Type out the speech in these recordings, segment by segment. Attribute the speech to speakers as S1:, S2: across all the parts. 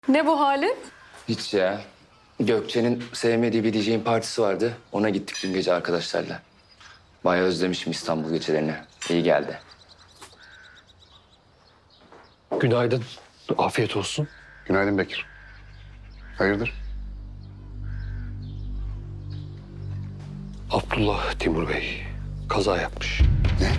S1: Ne bu halin?
S2: Hiç ya. Gökçe'nin sevmediği bir DJ'in partisi vardı. Ona gittik dün gece arkadaşlarla. Bayağı özlemişim İstanbul gecelerini. İyi geldi.
S3: Günaydın. Afiyet olsun.
S4: Günaydın Bekir. Hayırdır?
S3: Abdullah Timur Bey kaza yapmış.
S4: Ne?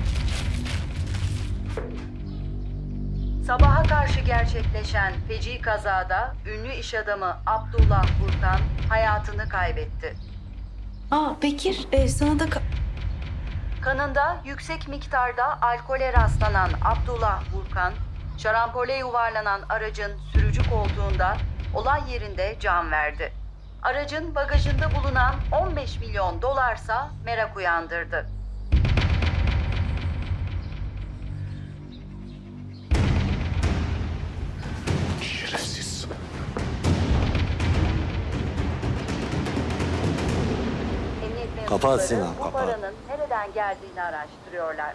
S5: Sabaha karşı gerçekleşen feci kazada ünlü iş adamı Abdullah Burkan hayatını kaybetti.
S1: Bekir, sana da...
S5: Kanında yüksek miktarda alkole rastlanan Abdullah Burkan, şarampole yuvarlanan aracın sürücü koltuğunda olay yerinde can verdi. Aracın bagajında bulunan 15 milyon dolarsa merak uyandırdı.
S4: Şerefsiz.
S5: Emniyet
S6: Kapat
S5: mensupları
S6: Sinan,
S5: bu
S6: kapat.
S5: paranın nereden geldiğini araştırıyorlar.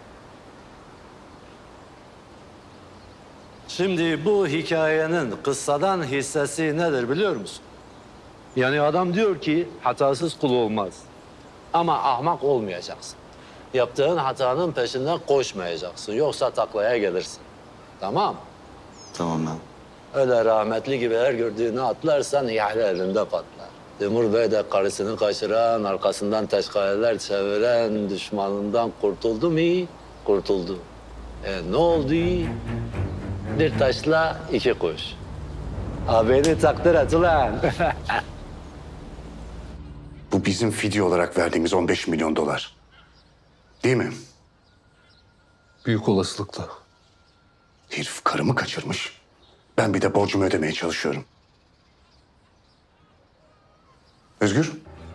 S6: Şimdi bu hikayenin kıssadan hissesi nedir biliyor musun? Yani adam diyor ki hatasız kul olmaz. Ama ahmak olmayacaksın. Yaptığın hatanın peşinden koşmayacaksın. Yoksa taklaya gelirsin. Tamam.
S2: Tamam ben.
S6: Öyle rahmetli gibi her gördüğünü atlarsan ihale elinde patlar. Timur Bey de karısını kaçıran, arkasından teşkaleler çeviren düşmanından kurtuldu mu? Kurtuldu. Ne oldu? Bir taşla iki kuş. Beni takdir et ulan.
S4: Bu bizim fidye olarak verdiğimiz 15 milyon dolar. Değil mi?
S3: Büyük olasılıkla.
S4: Herif karımı kaçırmış. Ben bir de borcumu ödemeye çalışıyorum. Özgür,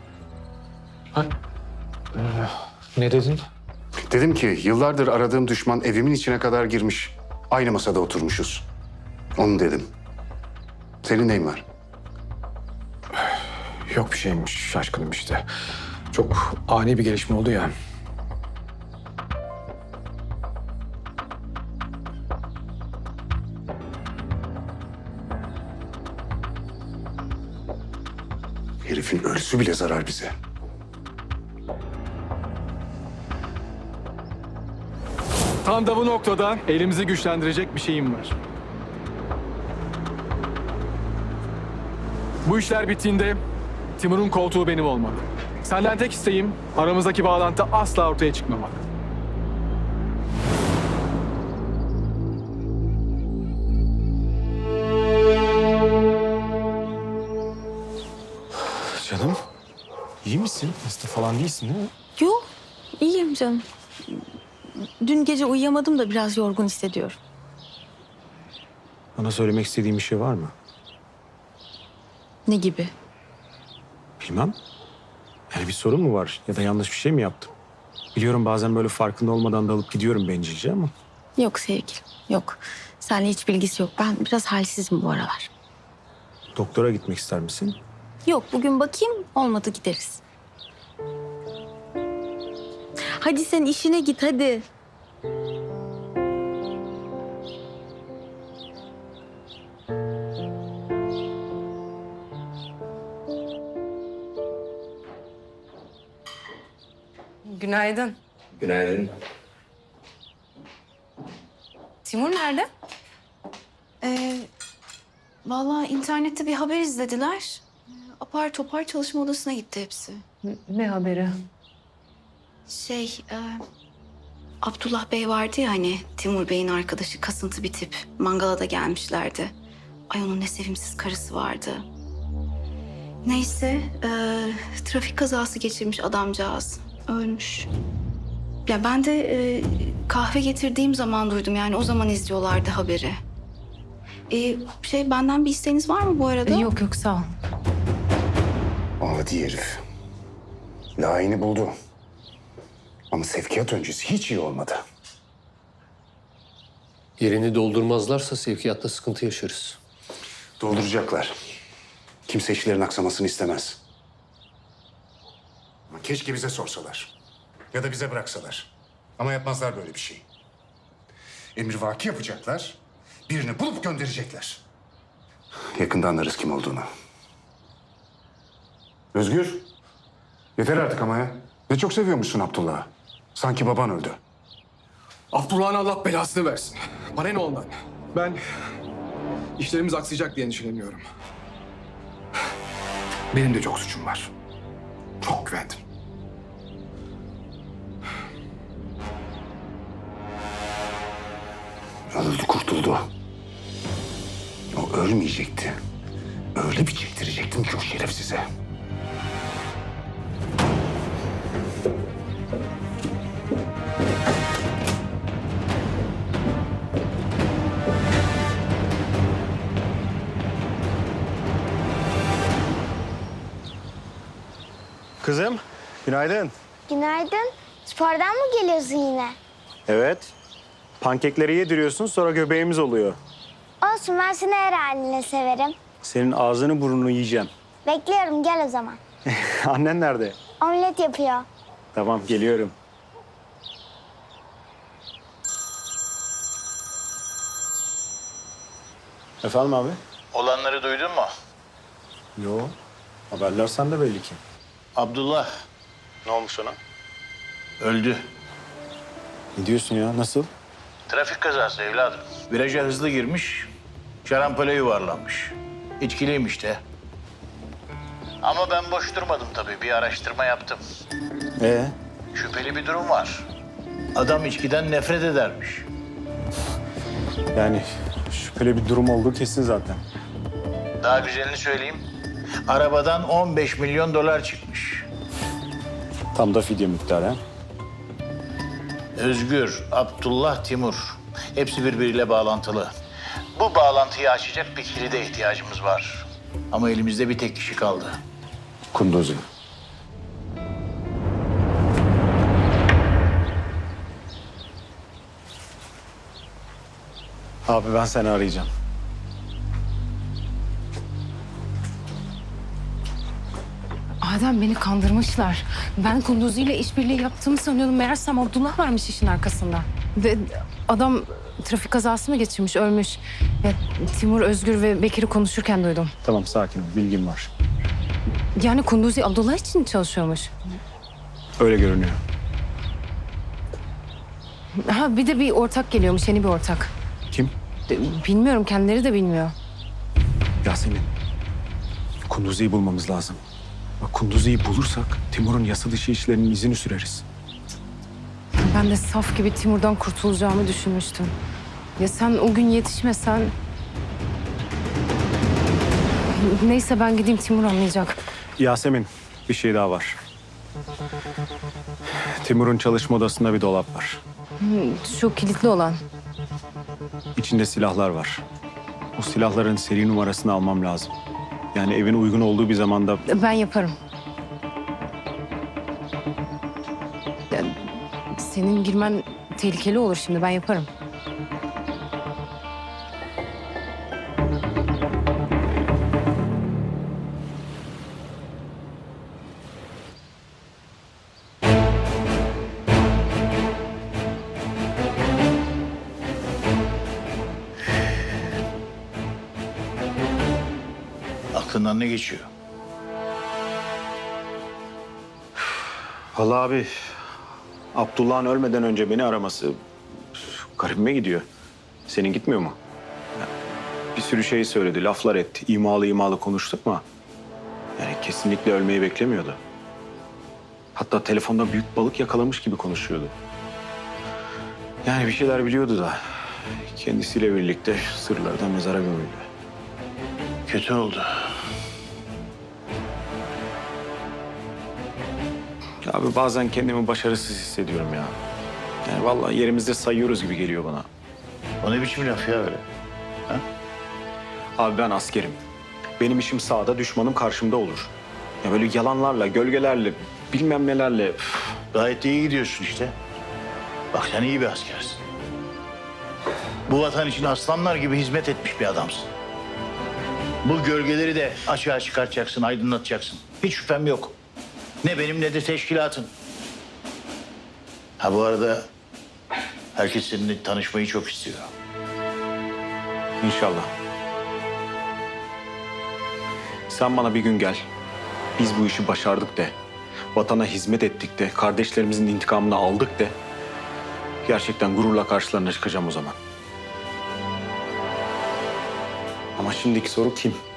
S3: Ne dedin?
S4: dedim ki yıllardır aradığım düşman evimin içine kadar girmiş. Aynı masada oturmuşuz. Onu dedim. Senin neyin var?
S7: Yok bir şeymiş, şaşkınım işte. Çok ani bir gelişme oldu ya.
S4: Herifin ölüsü bile zarar bize.
S7: Tam da bu noktada elimizi güçlendirecek bir şeyim var. Bu işler bittiğinde Timur'un koltuğu benim olmalı. Senden tek isteğim aramızdaki bağlantı asla ortaya çıkmamak. Canım, iyi misin? Hasta falan değilsin değil mi?
S1: Yok, iyiyim canım. Dün gece uyuyamadım da biraz yorgun hissediyorum.
S7: Bana söylemek istediğin bir şey var mı?
S1: Ne gibi?
S7: Bilmem. Yani bir sorun mu var ya da yanlış bir şey mi yaptım? Biliyorum bazen böyle farkında olmadan dalıp gidiyorum bencilce ama...
S1: Yok sevgilim, yok. Seninle hiç bilgisi yok. Ben biraz halsizim bu aralar.
S7: Doktora gitmek ister misin?
S1: Yok, bugün bakayım, olmadı gideriz. Hadi sen işine git, hadi.
S8: Günaydın.
S2: Günaydın.
S8: Timur nerede?
S9: Vallahi internette bir haber izlediler. Apar topar çalışma odasına gitti hepsi.
S8: Ne haberi?
S9: Abdullah Bey vardı ya hani Timur Bey'in arkadaşı kasıntı bir tip. Mangala da gelmişlerdi. Ay onun ne sevimsiz karısı vardı. Neyse trafik kazası geçirmiş adamcağız. Ölmüş. Ya ben de kahve getirdiğim zaman duydum yani o zaman izliyorlardı haberi. Benden bir isteğiniz var mı bu arada?
S8: Yok yok sağ ol.
S4: Adi herif. Layığını buldu. Ama sevkiyat öncesi hiç iyi olmadı.
S3: Yerini doldurmazlarsa sevkiyatta sıkıntı yaşarız.
S4: Dolduracaklar. Kimse işlerin aksamasını istemez. Ama keşke bize sorsalar. Ya da bize bıraksalar. Ama yapmazlar böyle bir şey. Emrivaki yapacaklar. Birini bulup gönderecekler. Yakında anlarız kim olduğunu. Özgür. Yeter artık ama ya. Ne çok seviyormuşsun Abdullah'ı. Sanki baban öldü.
S10: Abdullah'ın Allah belasını versin. Bana ne ondan? Ben işlerimiz aksayacak diye endişeleniyorum. Benim de çok suçum var. Çok güvendim.
S4: Öldü, kurtuldu. O ölmeyecekti. Öyle bir çektirecektim ki o şerefsize.
S11: Kızım, günaydın.
S12: Günaydın. Spordan mı geliyorsun yine?
S11: Evet. Pankekleri yediriyorsun, sonra göbeğimiz oluyor.
S12: Olsun, ben seni her haline severim.
S11: Senin ağzını burnunu yiyeceğim.
S12: Bekliyorum, gel o zaman.
S11: Annen nerede?
S12: Omlet yapıyor.
S11: Tamam, geliyorum. Efendim abi?
S13: Olanları duydun mu?
S11: Yo. Haberler sende belli ki.
S13: Abdullah
S11: Ne olmuş ona?
S13: öldü.
S11: Ne diyorsun ya? Nasıl?
S13: Trafik kazası evladım. Viraja hızlı girmiş, şarampole yuvarlanmış. İçkiliymiş de. Ama ben boş durmadım tabii. Bir araştırma yaptım. Şüpheli bir durum var. Adam içkiden nefret edermiş.
S11: Yani şüpheli bir durum olduğu kesin zaten.
S13: Daha güzelini söyleyeyim. Arabadan 15 milyon dolar çıkmış.
S11: Tam da fidye miktarı ha?
S13: Özgür, Abdullah, Timur. Hepsi birbiriyle bağlantılı. Bu bağlantıyı açacak bir kilide ihtiyacımız var. Ama elimizde bir tek kişi kaldı.
S4: Kunduzi.
S11: Abi ben seni arayacağım.
S8: Adem, beni kandırmışlar. Ben Kunduzi ile işbirliği yaptığımı sanıyordum. Meğersem Abdullah varmış işin arkasında. Ve adam trafik kazası mı geçirmiş, ölmüş. Ya, Timur, Özgür ve Bekir'i konuşurken duydum.
S11: Tamam, sakin ol. Bilgim var.
S8: Yani Kunduzi Abdullah için çalışıyormuş.
S11: Öyle görünüyor.
S8: Ha, bir de bir ortak geliyormuş, yeni bir ortak.
S11: Kim?
S8: Bilmiyorum, kendileri de bilmiyor.
S11: Yasemin. Kunduzi'yi bulmamız lazım. Bak, Kunduzi'yi bulursak Timur'un yasa dışı işlerinin izini süreriz.
S8: Ben de saf gibi Timur'dan kurtulacağımı düşünmüştüm. Ya sen o gün yetişmesen... Neyse, ben gideyim, Timur anlayacak.
S11: Yasemin, bir şey daha var. Timur'un çalışma odasında bir dolap var.
S8: Şu kilitli olan.
S11: İçinde silahlar var. O silahların seri numarasını almam lazım. Yani evin uygun olduğu bir zamanda...
S8: Ben yaparım. Ya, senin girmen tehlikeli olur şimdi, ben yaparım.
S13: Aklından ne geçiyor?
S11: Vallahi abi, Abdullah'ın ölmeden önce beni araması garibime gidiyor. Senin gitmiyor mu? Ya, bir sürü şey söyledi, laflar etti. İmalı konuştuk ama... yani kesinlikle ölmeyi beklemiyordu. Hatta telefonda büyük balık yakalamış gibi konuşuyordu. Yani bir şeyler biliyordu da... kendisiyle birlikte sırlardan mezara gömüldü.
S13: Kötü oldu.
S11: Abi bazen kendimi başarısız hissediyorum ya. Yani vallahi yerimizde sayıyoruz gibi geliyor bana.
S13: O ne biçim laf ya öyle?
S11: Abi ben askerim. Benim işim sağda, düşmanım karşımda olur. Ya böyle yalanlarla, gölgelerle, bilmem nelerle...
S13: Gayet de iyi gidiyorsun işte. Bak sen iyi bir askersin. Bu vatan için aslanlar gibi hizmet etmiş bir adamsın. Bu gölgeleri de açığa çıkartacaksın, aydınlatacaksın. Hiç şüphem yok. Ne benim ne de teşkilatın. Ha bu arada herkes seninle tanışmayı çok istiyor.
S11: İnşallah. Sen bana bir gün gel. Biz bu işi başardık de. Vatana hizmet ettik de. Kardeşlerimizin intikamını aldık de. Gerçekten gururla karşılarına çıkacağım o zaman. Ama şimdiki soru kim?